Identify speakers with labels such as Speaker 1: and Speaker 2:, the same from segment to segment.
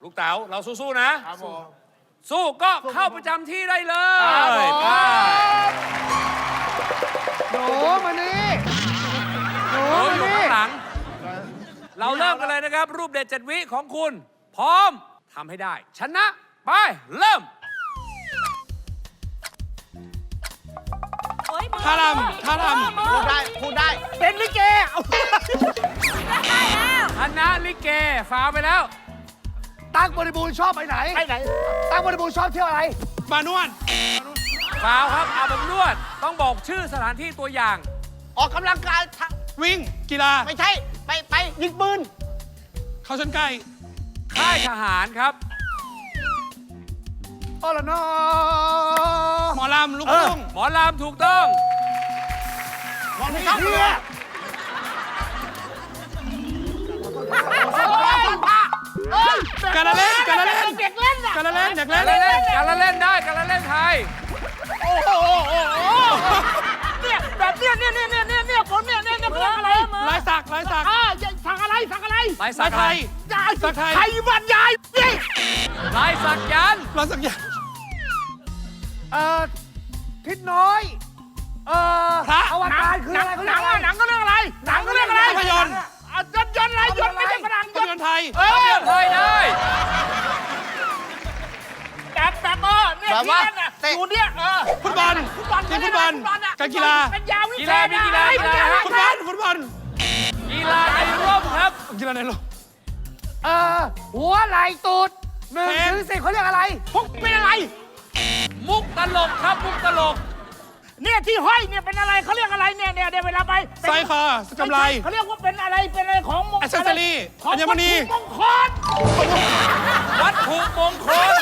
Speaker 1: ลูกเต๋าเราสู้ๆนะครับ
Speaker 2: ผม
Speaker 1: สู้ก็เข้าประจำที่ได้เลย
Speaker 2: ครับผม
Speaker 1: ไป
Speaker 3: หนูมานี่หนู
Speaker 1: โอ้
Speaker 3: มาย
Speaker 1: อยู่
Speaker 3: นี่
Speaker 1: ข้างหลัง เราเริ่มกันเลยนะครับ รูปเด็ด7 วิของคุณ พร้อมทำให้ได้ ชนะ ไป เริ่ม
Speaker 2: ท่ารำท่ารำพูดได้พูดได้
Speaker 3: เป็นลิเกเอา
Speaker 1: คณะลิเกฟาวไปแล้ว
Speaker 3: ตั้งบริบูรณ์ชอบไปไหนไปไหนตั้งบริบูรณ์ชอบเที่ยวอะไร
Speaker 2: มานวด
Speaker 1: ฟาวครับอาบอบนวด ต้องบอกชื่อสถานที่ตัวอย่าง
Speaker 2: ออกกำลังกายวิ่งกีฬาไม่ใช่ไปยิงปืนเข้าชนไก่
Speaker 1: ค่ายทหารครับ
Speaker 3: โอ้ละนอ
Speaker 2: หมอลำลูกทุ่ง
Speaker 1: หมอลำถูกต้อง
Speaker 2: หมอลำเที่ย การละเล่นการละเล่นเด็กเล่นการละเล่นเด็กเล่น
Speaker 1: การละเล่นได้การละเล่นไทย
Speaker 4: เนี่ยแบบเนี่ยผมเนี่ยเขาเรียกอะไร
Speaker 2: ลายสักลายสัก
Speaker 4: สั่งอะไร
Speaker 1: ลายสั
Speaker 2: ลาก ยไทย
Speaker 4: ยาย
Speaker 2: สักไทย
Speaker 4: ไทยบรรยายนี่
Speaker 1: ลายสักยันต์
Speaker 2: ลายสักอย่าง
Speaker 3: ทิศน้อยพระ
Speaker 4: อวตารคืออะไรหนังก็เรื่องอะไรหนังก็เรื่องอะไร
Speaker 2: ภาพยนตร์
Speaker 4: ยนต์อะไรยนต์ไม่ใช่ฝรั่ง
Speaker 2: ภาพยนตร์ไทย
Speaker 1: ไทยได้
Speaker 4: แบบเนี่ยที่เล่นอ่ะอยู่เนี่ย
Speaker 2: ฟุตบอลทีมฟุตบอลการกีฬา
Speaker 4: เป็นยาวิ
Speaker 1: กี
Speaker 4: เศ
Speaker 1: ฬา
Speaker 4: ษ
Speaker 1: มีกีฬากีฬา
Speaker 2: ฟุตบอล
Speaker 1: กีฬาในร่มครับ
Speaker 2: กีฬาในโลก
Speaker 3: หัวไหลตูด1 ถึง 10เขาเรียกอะไร
Speaker 4: พวกเป็นอะไร
Speaker 1: มุกตลกครับมุกตลก
Speaker 4: เนี่ยที่ห้อยเนี่ยเป็นอะไรเขาเรียกอะไรเนี่ยเดี๋ยวเวลาไป
Speaker 2: สร้อยคอกำไร
Speaker 4: เขาเรียกว่าเป็นอะไรของมง
Speaker 2: Accessory
Speaker 4: ของ
Speaker 2: อัญมณี
Speaker 4: มงคล
Speaker 1: วัตถุมงคล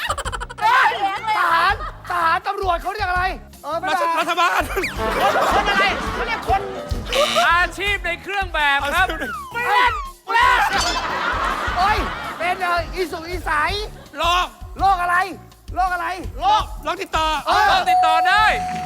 Speaker 3: ทหารตำรวจเขาเรียกอะไร
Speaker 2: รัฐบาล
Speaker 4: คนอะไรเขาเรียกคน
Speaker 1: อาชีพในเครื่องแบบครับ
Speaker 4: ไม่เล่น
Speaker 3: โอ้ยเป็นอีสุอีใส
Speaker 2: โลก
Speaker 3: โรคอะไรโรคอะไร
Speaker 2: โลกติดต่อ
Speaker 1: ต้องติดต่อได้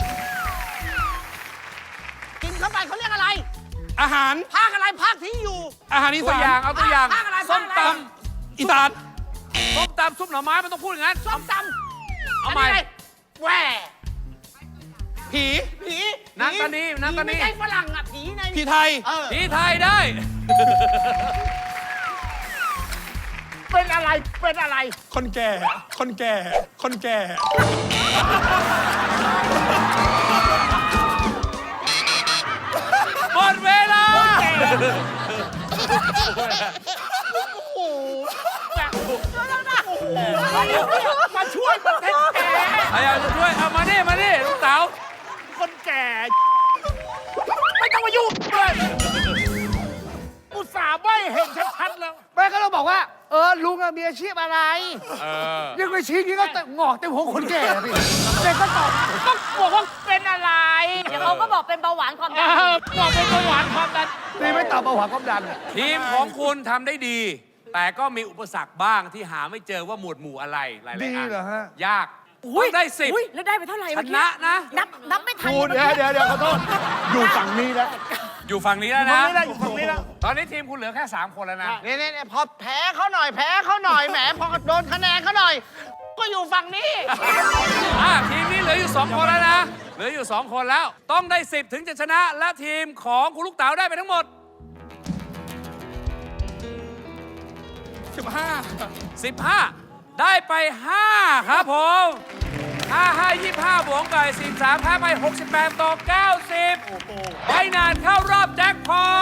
Speaker 4: กินเข้าไปเขาเรียกอะไร
Speaker 2: อาหาร
Speaker 4: ภาคอะไรภาคที่อยู่
Speaker 2: อาหารอี
Speaker 1: ตัว
Speaker 2: สา
Speaker 1: อย่าง
Speaker 2: น
Speaker 1: เอาตัวอย่าง
Speaker 4: ภาคอะไร
Speaker 1: ส้มต
Speaker 2: อีสาน
Speaker 1: ำส้มตำซุปหน่อไม้มันต้องพูดอย่างนั้น
Speaker 4: ส้มตำ
Speaker 1: เอาใหม่
Speaker 4: แหว
Speaker 2: ผี
Speaker 4: ผี
Speaker 1: นักตานีนักตานี
Speaker 4: ไม่ใช่ฝรั่งอ่ะผีใน
Speaker 2: ผีไทย
Speaker 1: ผีไทยได้
Speaker 4: เป็นอะไรเป็นอะไร
Speaker 2: คนแก่ คนแก่ คนแก่
Speaker 1: หมดเวลา
Speaker 4: มาช่วยประเทศแก
Speaker 1: ใครอยากจะช่วยเอามานี่ลูกเต๋า
Speaker 4: คนแก่ ไม่ต้องมายุ่งเลยอุตส่าห์ไม่เห็นชัดๆแล้ว
Speaker 3: แม่ก็ต้องบอกว่าลุงมีอาชีพอะไรยังไปชี้นี้ก็งอกเต็มหัวคนแก่พี่เด็กก็ตอบ
Speaker 4: ก็บอกว่าเป็นอะไร
Speaker 5: เดี๋ยวเขาก็บอกเป็นเบาหวานความดัน
Speaker 4: บอกเป็นเบาหวานความดัน
Speaker 3: นี่ไม่ตอบเบาหวานความดัน
Speaker 1: ทีมของคุณทำได้ดี แต่ก็มีอุปสรรคบ้างที่หาไม่เจอว่าหมวดหมู่อะไรหลายๆ
Speaker 3: ดี
Speaker 1: อัน
Speaker 3: เหรอฮะ
Speaker 1: ยากต้องได้
Speaker 5: อุ๊ยแล้วได้ไปเท่าไหร่
Speaker 1: 10ช
Speaker 5: เมื่อกี้
Speaker 1: นะนะ
Speaker 5: นับไม่ทัน
Speaker 3: เดี๋ยวขอโทษอยู่ฝั่งนี้แล้ว
Speaker 1: อยู่ฝั่งนี้แล้วนะ
Speaker 4: อยู่ฝั่งนี้แล้ว
Speaker 1: ตอนนี้ทีมคุณเหลือแค่ 3 คนแล้วนะ
Speaker 2: เนี่ยพอแพ้เขาหน่อยแหมพอโดนคะแนนเขาหน่อย ก็อยู่ฝั่งนี้
Speaker 1: ทีมนี้เหลืออยู่ 2 คนแล้วนะ เหลืออยู่ 2 คนแล้ว ต้องได้ 10 ถึงจะชนะ และทีมของคุณลูกเต๋าได้ไปทั้งหมด 15 ได้ไป 5 ครับผม5 25 บวกไป43แพ้ไป 68 ต่อ 90ได้นานเข้ารอบแจ็คพอ